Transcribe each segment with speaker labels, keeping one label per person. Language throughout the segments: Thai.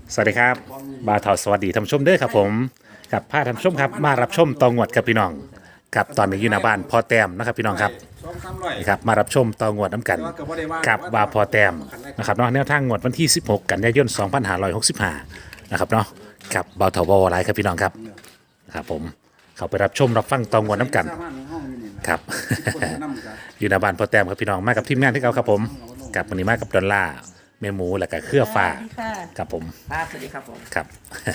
Speaker 1: สวัสดีครับบาวทอสวัสดีท่านผู้ชมเด้อครับผมกับพาท่านผู้ชมครับมารับชมตองวดกับพี่น้องครับตอนนี้อยู่หน้าบ้านพ่อแต้มนะครับพี่น้องครับนี่ครับมารับชมตองวดน้ำกันกับว่าพ่อแต้มนะครับเนาะแนวทางงวดวันที่ 16 กันยายน 2565นะครับเนาะกับบาวทอวอลไลครับพี่น้องครับครับผมเขาไปรับชมรับฟังตองวดน้ำกันครับ อยู่หน้าบ้านพ่อแต้มครับพี่น้องมากับทีมงานที่เขาครับผมกับวันนี้มากับดอลล่าร์เมหมูแล้วก็เครือฟ้า
Speaker 2: ค่ะ
Speaker 1: ครับผม
Speaker 3: สวัสดีครับผม
Speaker 1: ครับ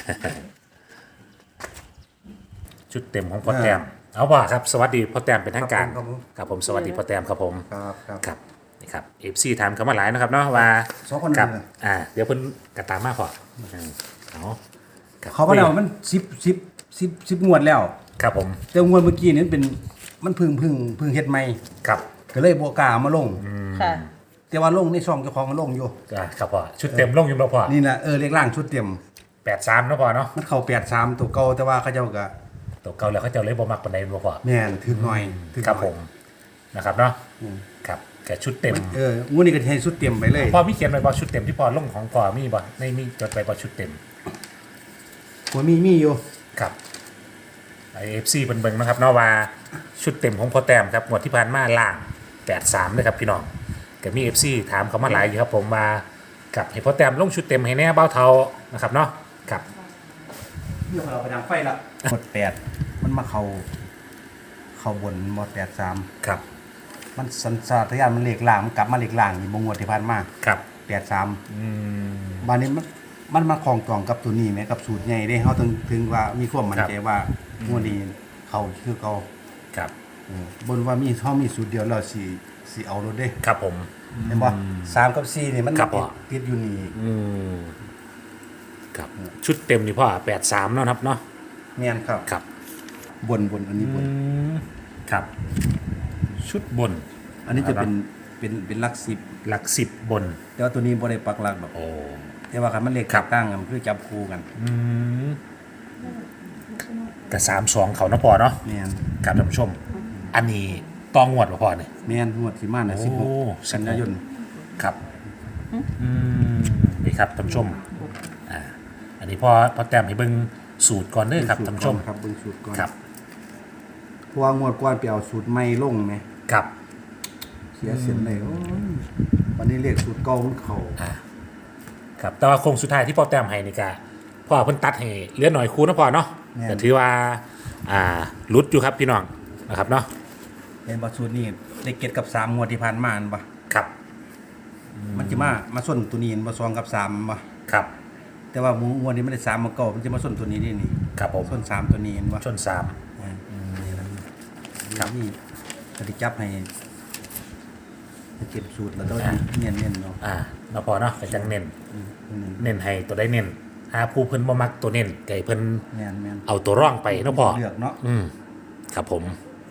Speaker 1: ชุดเต็มของพ่อแต้มเอาว่าครับสวัสดีพ่อแต้มเป็นทางการ
Speaker 4: ครับผม
Speaker 1: ครับผมสวัสดีพ่อแต้มครับผม
Speaker 4: ครับครับ
Speaker 1: ครับนี่ครับเอฟซีถามเขามาหลายนะครับเนาะว่า
Speaker 4: สองคน
Speaker 1: ครับ
Speaker 4: เลย
Speaker 1: เดี๋ยวเพิ่นกระตามมาพอเอาครับ
Speaker 4: เขามาแล้วมันสิบงวดแล้ว
Speaker 1: ครับผม
Speaker 4: แต่งวดเมื่อกี้นี่เป็นมันพึ่งเฮ็ดใหม่
Speaker 1: ครับ
Speaker 4: ก็เลยบ่กล้าเอามาลง
Speaker 2: ค่ะ
Speaker 4: แต่ว่าลงในช่องเจ้าของมันลงอยู่
Speaker 1: ครับพ่อชุดเต็มลงอยุ่งแล้วพ่อ
Speaker 4: นี่นะเลขล่างชุดเต็ม
Speaker 1: 83นะพ่อเนาะ
Speaker 4: มันเข้า83ตัวเก่าแต่ว่าเขาเจ้าก็
Speaker 1: ตัวเก่าแล้วเขาเจะเลยบ่มักปานใดบ่พ่อ
Speaker 4: แม่นถึกหน่อยถึกห
Speaker 1: ครับ
Speaker 4: น่อย
Speaker 1: ผมนะครับเนาะครับแกชุดเต็ม
Speaker 4: งวดนี้ก็ให้ชุดเต็มไปเลย
Speaker 1: พ่อมีเขียนไว้บ่ชุดเต็มที่พ่อลงของพ่อมีบ่ในมีจดไว้บ่ชุดเต็ม
Speaker 4: หัวมีอยู่
Speaker 1: ครับไอเอฟซีเบิ่งๆนะครับเนาะว่าชุดเต็มของพ่อแต้มครับงวดที่ผ่านมาล่าง83เลยครับพี่น้องก็มี FC ถามเขามาหลายอยู่ครับผมมากับให้พ่อแต้มลงชุดเต็มให้แน่เบ้าเทานะครับเนาะครับ
Speaker 4: เดี๋ยวเราไปดังไฟละหมด8มันมาเข้าบนหมด83
Speaker 1: ครับ
Speaker 4: มันสัญชาตญาณมันเลขล่างมันกลับมาเลขล่างนี่บ่งวดที่ผ่านมา
Speaker 1: ครับ
Speaker 4: 83บานนี้มันมาคล้องจองกับตัวนี้ไหมกับสูตรใหญ่ได้เขาถึงว่ามีความมั่นใจว่างวดนี้เขาคือเขา
Speaker 1: ครับ
Speaker 4: บนว่ามีสูตรเดียวเราสีเอารถได้
Speaker 1: ครับผม
Speaker 4: เห็นบ่3กับ4นี่มัน
Speaker 1: ครับพ่อ
Speaker 4: ติดอยู่นี่
Speaker 1: ครับชุดเต็มนี่พ่อ83เนาะครับเนาะ
Speaker 4: แม่นครับ
Speaker 1: ครับ
Speaker 4: บนอันนี้บน
Speaker 1: ครับชุดบน
Speaker 4: อันนี้จะเป็นหลัก10
Speaker 1: หลัก10บน
Speaker 4: แต่ว่าตัวนี้บ่ได้ปักหลักดอก
Speaker 1: โอ้
Speaker 4: แต่ว่าคันมันเลข
Speaker 1: ครับ
Speaker 4: ตั้งกันมันคือจับคู่กัน
Speaker 1: แต่32เขาเนาะพ่อเนาะ
Speaker 4: แม่น
Speaker 1: ครับท่านผู้ชม อันนี้ต้องงวดป่ะพ่อเนี่ย
Speaker 4: แม่นงวดสิมาน่ะ
Speaker 1: โอ้
Speaker 4: 16กันยายน
Speaker 1: ครับนี่ครับท่านผู้ชมอันนี้พ่อแต้มให้เบิ่งสูตรก่อนเด้อครับท่านผู้ชม
Speaker 4: ครับเบิ่งสูตรก่อน
Speaker 1: ครับ
Speaker 4: เพราะว่างวดก่อนไปเอาสูตรใหม่ลงไหม
Speaker 1: ครับ
Speaker 4: เสียเสียนเลยโอ้ยวันนี้เลขสูตรเก่ามันเข้า
Speaker 1: ครับแต่ว่าโครงสุดท้ายที่พ่อแต้มให้นี่กะพ่อเพิ่นตัดให้เหลือหน่อยคูนะพ่อเนาะแต่ถือว่าหลุดอยู่ครับพี่น้องนะครับเนาะ
Speaker 4: เห็นบ่สูตรนี้ได้เก็ดกับ3งวดที่ผ่านมาอันบ่
Speaker 1: ครับ
Speaker 4: มันจะมาส้นตัวนี้เห็นบ่2กับ3บ่
Speaker 1: ครับ
Speaker 4: แต่ว่างวดนี้มันได้3มาเก่ามันจะมาส้นตัวนี้นี่
Speaker 1: ครับผม
Speaker 4: ส้น3ตัวนี้เห็นบ่
Speaker 1: ชน3
Speaker 4: ครับนี่ก็ได้จับให้เก็บสูตรแล้วก็เนียนๆเนาะ
Speaker 1: เนาะพ่อเนาะก็จังเน้นให้ตัวได้เน้นผู้เพิ่นบ่มักตัวเน้นไก่เพิ่น
Speaker 4: แม่น
Speaker 1: เอาตัวร่องไปเนาะพ่อ
Speaker 4: เลือกเนาะ
Speaker 1: ครับผม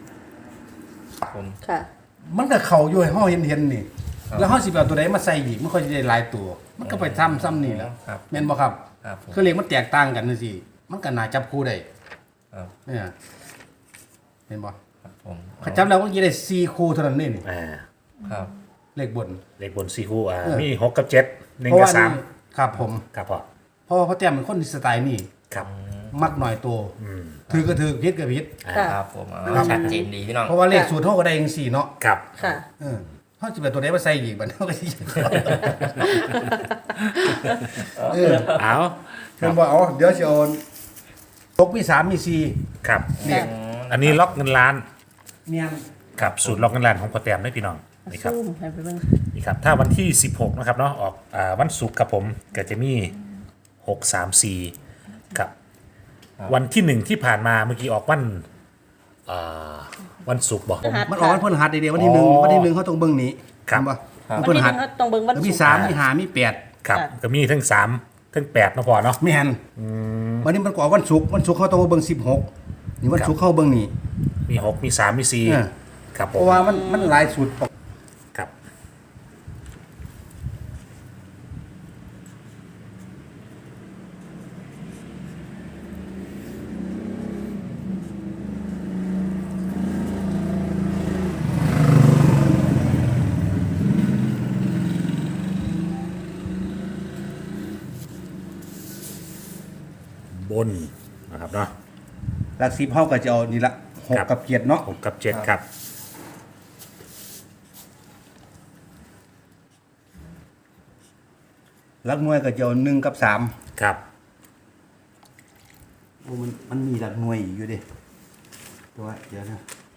Speaker 2: ค่ะ
Speaker 4: มันก็เข้าอยู่ให้เฮาเห็นนี่แล้วเฮาสิไปเอาตัวใดมาใส่อีกมันค่อยสิได้หลายตัว มันก็ไปซ้ำนี่แหล้ว
Speaker 3: ครับ
Speaker 4: แม่นบ่ครับ
Speaker 3: ครับผม
Speaker 4: คือเลขมันแตกต่างกันจังซี่มันก็น่าจับคู่ได้
Speaker 3: ครับ
Speaker 4: เนี่ยเห็นบ่
Speaker 3: ครับผม
Speaker 4: เขาจับแล้วมันจะได้4คู่เท่านั้นนี่
Speaker 3: ครับ
Speaker 4: เลขบน
Speaker 1: เลขบน4คู่
Speaker 4: เออ
Speaker 1: มี6กับ7 1
Speaker 4: เพราะ
Speaker 1: กับ
Speaker 4: ว่านี่ครับผม
Speaker 1: 3ครับพ่อ
Speaker 4: เพราะว่าพ่อแต้มเป็นคนสไตล์นี่
Speaker 1: ครับ
Speaker 4: มักหน่อยตัวถือก็ถือผิดก็ผิด
Speaker 2: ค่ะ
Speaker 3: ครับผมชัดเจนดีพี่น้อง
Speaker 4: เพราะว่าเลขสูตรเฮาก็ได้จังซี่เนาะ
Speaker 1: ครับ
Speaker 2: ค่ะ
Speaker 4: เฮาสิไปตัวใดมาใส่อีกบัดเฮาก็สิเออ
Speaker 1: เอา
Speaker 4: เพิ่นบอกเอาเดี๋ยวสิเอาตกมี3มี4
Speaker 1: ครับ
Speaker 4: เนี่ย
Speaker 1: อันนี้ล็อกเงินล้าน
Speaker 4: เมียน
Speaker 1: ครับสูตรล็อกเงินล้านของพ่อแต้มได้พี่น้องนี่ครับ
Speaker 2: ซูมให้ไปเบิ่ง
Speaker 1: นี่ครับถ้าวันที่ 16นะครับเนาะออกวันศุกร์ครับผมก็จะมี634ครับวันที่ 1 ที่ผ่านมาเมื่อกี้ออกวันศุกร์บอก
Speaker 4: มันออกวันพฤหัสเดียววันที่
Speaker 1: อ๋อ
Speaker 4: 1วันที่1เขาต้องเบิ่งนี้
Speaker 1: ครับ
Speaker 4: เห็นบ่
Speaker 2: วั
Speaker 4: วัน
Speaker 2: น
Speaker 4: พฤ
Speaker 2: ที่ห
Speaker 4: หั
Speaker 2: นึ่
Speaker 4: ส
Speaker 2: งเขาต้องเบิ่งวัน
Speaker 4: แล้วมี
Speaker 2: ศุกร์
Speaker 4: 3มี5มี8
Speaker 1: ครับก็มีทั้ง3ทั้ง8นะพอเนาะ
Speaker 4: แม่นวันนี้มันก็ออกวันศุกร์เขาต้องมาเบิ่ง16นี่วันศุกร์เขาเบิ่งนี่
Speaker 1: มี 6 มี 3 มี
Speaker 4: เออ
Speaker 1: 4ครับผ
Speaker 4: เพราะ
Speaker 1: ม
Speaker 4: ว่ามันหลายสูตร
Speaker 1: ครับบนนะครับเนาะ
Speaker 4: หลัก10เฮาก็จะเอานี่ละหก
Speaker 1: ครับ
Speaker 4: กับ7เนาะ
Speaker 1: 6กับ7ครับ
Speaker 4: หลักหน่วยก็จะเอา1กับ3
Speaker 1: ครับ
Speaker 4: โอ้มันมีหลักหน่วยอีกอยู่เด้ตัวเดี๋ยวนะ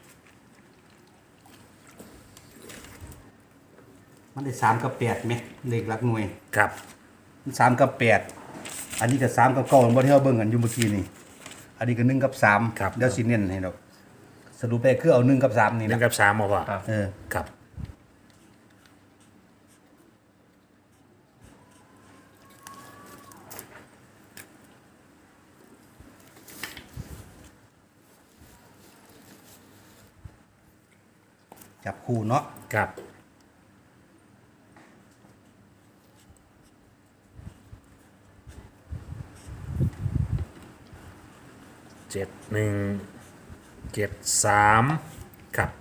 Speaker 4: มันได้3กับ8ไหมเลขหลักหน่วย
Speaker 1: ครับ
Speaker 4: มัน3กับ8อันนี้ก็3กับ9บ่ที่เฮาเบิ่งกันอยู่เมื่อกี้นี่อันนี้ก็1กับ3
Speaker 1: ครับ
Speaker 4: เดี๋ยวสิเน้นให้ดอกสรุปได้คือเอา1กับ3นี่
Speaker 1: หนึ่
Speaker 4: นะ
Speaker 1: งกับ3บ่พ่อ
Speaker 3: ครับ
Speaker 4: เออ
Speaker 1: ครับ
Speaker 4: จับคู่เนาะ
Speaker 1: ครับ7173ครับ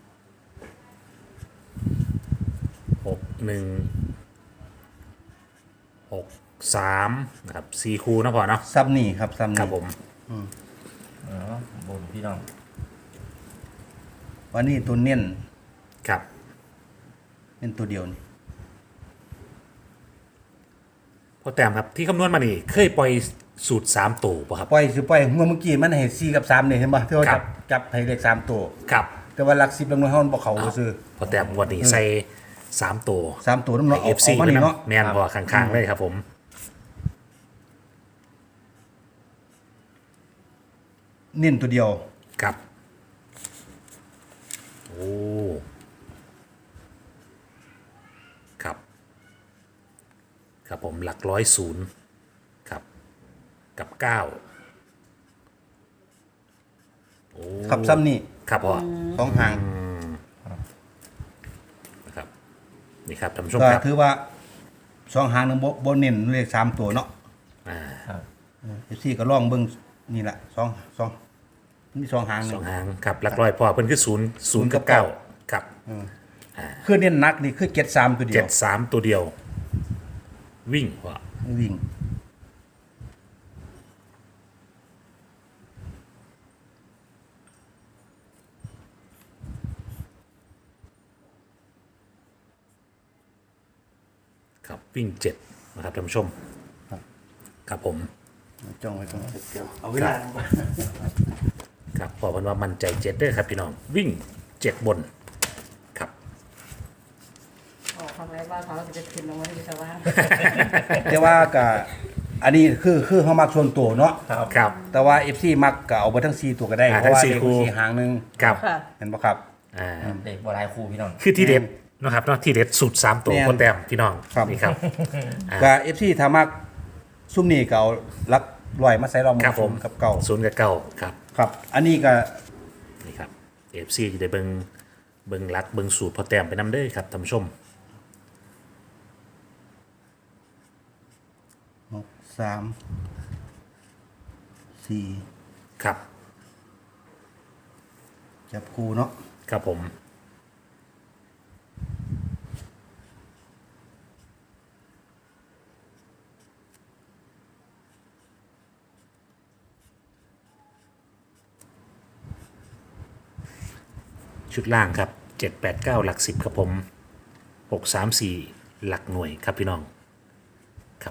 Speaker 1: 6163นะครับ4คู่เนาะพ่อเนาะ
Speaker 4: ซ้ำนี่ครับซ้ำ
Speaker 1: ครั
Speaker 4: นี่
Speaker 1: บผม
Speaker 3: อ๋อบนพี่น้อง
Speaker 4: วันนี้ตัวเน้น
Speaker 1: ครับ
Speaker 4: เน้นตัวเดียวนี่
Speaker 1: พอแต้มครับที่คำนวณมานี่เคยปล่อยสูตร3ตัวป่ะครับ
Speaker 4: ปล่อยสิปล่อยเมื่อกี้มันให้4กับ3นี่เห็นบ่ที่เขา
Speaker 1: ครั
Speaker 4: จับบให้เลข3ตัว
Speaker 1: ครับ
Speaker 4: แต่ว่าหลัก10หลักหน่วยเฮามันบ่เข้าซื่อ
Speaker 1: พอแต้มงวันนี้ใส่3ตัว
Speaker 4: 3ตัวน้ำเนาะ
Speaker 1: เอฟซี
Speaker 4: มานี่เนาะ
Speaker 1: แมนพอข้างๆเลยครับผม
Speaker 4: เน้นตัวเดียว
Speaker 1: ครับโอ้ครับ ครับผมหลักร้อยศูนย์ครับกับ9โอ้
Speaker 4: ขับซ้ำนี่
Speaker 1: ครับพ่อ
Speaker 4: สองหาง
Speaker 1: นะครับนี่ครับท่านผู้ชม
Speaker 4: ก็
Speaker 1: ครับ
Speaker 4: ถือว่าสองหางนึงบ่เน้นเลข3ตัวเนาะ
Speaker 3: ครับ
Speaker 4: FC ก็ลองเบิ่งนี่ล่ะ2มีสองหาง
Speaker 1: ส
Speaker 4: นึ
Speaker 1: อง งหางครับหลักร้อยพ่อเพิ่นคือ0กับ9ครับ
Speaker 4: คือเน้นหนักนี่คือ73ตัวเดียว
Speaker 1: 73ตัวเดียว วิ่งพ่อ
Speaker 4: วิ่ง
Speaker 1: ครับวิ่ง7นะครับท่านผู้ชมครับผม
Speaker 4: จ้องไว้ตรงเดียวเอาเวลา
Speaker 1: ครับพอเพิ่นว่ามั่นใจ7เด้อครับพี่น้องวิ่ง7บนครับ
Speaker 2: ออกคำไรว่าเขาจะขึ้นลงมาที่ชาวบ้าน
Speaker 4: แต่ว่าก็อันนี้คือเฮามักส่วนตัวเนาะ
Speaker 1: ครับ
Speaker 4: แต่ว่า FC มักก็เอาไปทั้ง4ตัวก็ได้
Speaker 1: อ่า
Speaker 4: เพราะว่า
Speaker 1: ทั้ง
Speaker 4: เลข
Speaker 1: 4คู่
Speaker 4: 4หางหนึง
Speaker 1: ครับ
Speaker 2: ค่ะ
Speaker 4: เห็นบ่ครับ
Speaker 1: อ่า
Speaker 3: เด็กบัวลายครูพี่น้อง
Speaker 1: คือที่เด็ดนะครับเนาะที่เด็ดสุด3ตัว
Speaker 4: แม่น
Speaker 1: คนแต้มพี่น้อง
Speaker 4: ครับ
Speaker 1: นี่ครับ
Speaker 4: ก็ FC ถ้ามักซุ่มนี่ก็เอาหลักร้อยมาใส่รอบ
Speaker 1: ครับผม
Speaker 4: กับเก่า
Speaker 1: 0กับ9ครับ
Speaker 4: ครับ อันนี้ก็
Speaker 1: นี่ครับ FC จะได้เบิ่งรักเบิ่งสูตรพอแต้มไปนำเด้อครับท่านผู้ชม
Speaker 4: 3 4
Speaker 1: ครับ
Speaker 4: จับคู่เนาะ
Speaker 1: ครับผมชุดล่างครับ789หลัก10ครับผม634หลักหน่วยครับพี่น้องครับ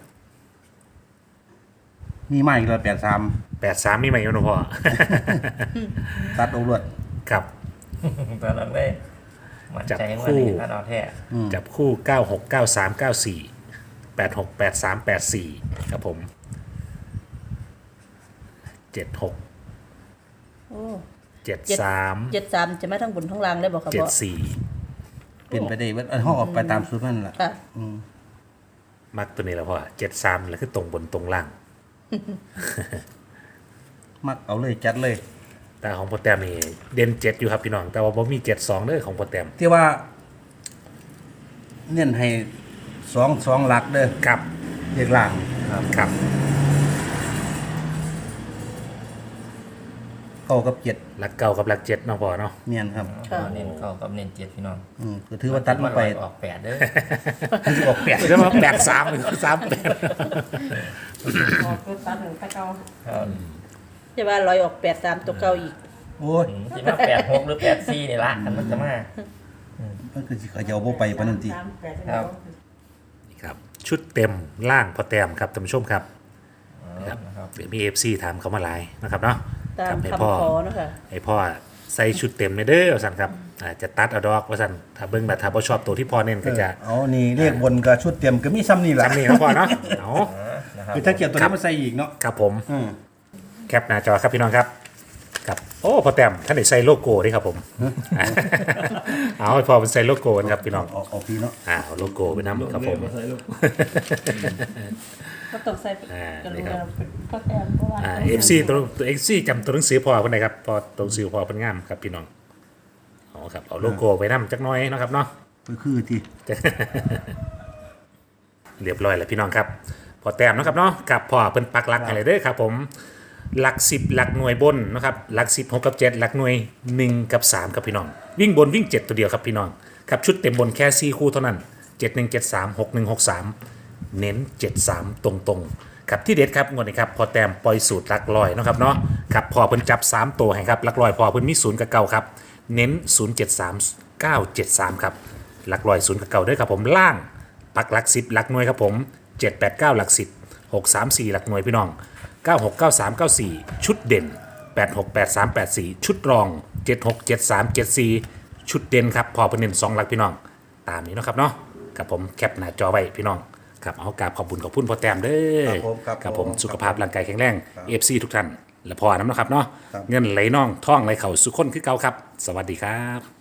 Speaker 4: มีมาอีกแล้ว
Speaker 1: 83มีไหมโยนพ่อ
Speaker 4: ตัดออกรวด
Speaker 1: ครับ
Speaker 3: ตอนนั้นเลยมันใจว่านี่ถ้าเราแท้
Speaker 1: จับคู่ 96 93 94 86 83 84ครับผม76
Speaker 2: โอ้
Speaker 1: 73
Speaker 2: 73จะไม่ทั้งบนทั้งล่างเลยบอกครับพ่อ
Speaker 1: 74
Speaker 4: เป็นไปได้เบิดอันเฮาออกไปตามสูตรมันล่ะ
Speaker 2: ค่ะ
Speaker 1: มักตัวนี้แล้วพ่อ73แล้วคือตรงบนตรงล่าง
Speaker 4: มักเอาเลยจัดเลย
Speaker 1: แต่ของโปรแตมนี่เด่น7อยู่ครับพี่น้อง แต่ว่าผมมี72เด้อของโปรแตม
Speaker 4: ที่ว่าเน้นให้2หลักเด้อ
Speaker 1: ครับ
Speaker 4: เลขล่าง
Speaker 1: ครับ
Speaker 4: เก้ากับเจ็ด
Speaker 1: หลักเก้ากับหลักเจ็ดเนาะพ่อเนาะ
Speaker 4: เมียนครับ
Speaker 3: เน้นเข้ากับเน้นเจ็ดพี่น้อง
Speaker 4: ก็ถือว่าตัดมาไป
Speaker 3: ออกแปดเด้อ
Speaker 4: ถือออกแปด
Speaker 1: แล้วมา83หรือ38
Speaker 2: ออกตัวตัดหนึ่งตะเกา
Speaker 3: ครับ
Speaker 5: จะว่าลอยออก83ตัวเก่าอีก
Speaker 4: โอ้ย
Speaker 3: ที่มา86หรือ84นี่ละคันมันจะมา
Speaker 4: มันคือสิเขาจะเอาบ่ไปปานนั้นติ
Speaker 3: ครับ
Speaker 1: นี่ครับชุดเต็มล่างพอแต้มครับท่านผู้ชมครับ
Speaker 3: ครับ
Speaker 1: เดี๋ยวมี FC ถามเขามาหลายนะครับเนาะ
Speaker 5: ตาม
Speaker 1: ให้
Speaker 5: คำ
Speaker 1: พ่อ
Speaker 5: ขอเนาะค่ะ
Speaker 1: ให้พ่อใส่ชุดเต็มเลยเด้อว่าซั่นครับจะตัดเอาดอกว่าซั่นถ้าเบิ่งแบบถ้าบ่ชอบตัวที่พ่อเน้นก็จะ
Speaker 4: เอานี่เลขบนกับชุดเต็มก็มีซ้ำนี่แหละ
Speaker 1: จำนี่เนาะพ่อเนาะเอา
Speaker 3: นะครับ
Speaker 4: คือถ้าเกี่ยวตัวนี้มาใส่อีกเนาะ
Speaker 1: ครับผม
Speaker 4: อืม
Speaker 1: แคปหน้าจอครับพี่น้องครับครับโอ้พอแต้มท่านได้ใส่โลโก้ด้วยครับผม เอาให้พ่อเป็นใส่โลโก้กันครับพี่น้อง
Speaker 4: เอาพี่เนาะ
Speaker 1: เอาโลโก้ไปนำครับผม
Speaker 2: ก็ต้องใส่ กระดูกเราเป็นก็แต้มเพราะว่า
Speaker 1: FC ตัว FC จำตัวหนังสือพ่อเพิ่นได้ครับพอตัวหนังสือพ่อเพิ่นงามครับพี่น้องเอาครับเอาโลโก้ไปนำจักหน่อยเนาะครับเนาะ
Speaker 4: ก็คือที่
Speaker 1: เรียบร้อยแล้วพี่น้องครับพอแต้มเนาะครับเนาะกับพ่อเพิ่นปักหลักอะไรเด้อครับผมหลัก10หลักหน่วยบนนะครับหลัก10 6กับ7หลักหน่วย1กับ3ครับพี่น้องวิ่งบนวิ่ง7ตัวเดียวครับพี่น้องครับชุดเต็มบนแค่4คู่เท่านั้น7173 6163เน้น73ตรงๆครับที่เด็ดครับงวดนี้ครับพอแต้มปล่อยสูตรหลักร้อยเนาะครับเนาะครับพอเพิ่นจับ3ตัวให้ครับหลักร้อยพอเพิ่นมี0กับ9ครับเน้น073 973ครับหลักร้อย0กับ9ด้วยครับผมล่าง ปักหลัก10หลักหน่วยครับผม789หลัก10 634หลักหน่วยพี่น้อง969394ชุดเด่น868384ชุดรอง767374ชุดเด่นครับพอเป็นเน้น2หลักพี่น้องตามนี้เนาะครับเนาะกับผมแคปหน้าจอไว้พี่น้องครับเอากราบขอบคุณพอแต้มเด้อครับผมสุขภาพร่างกายแข็งแรง FC ทุกท่านและพอน้ำเนาะครับเนาะเงินไหลน่องท่องไหลเข่าสุขคนคือเก่าครับสวัสดีครับ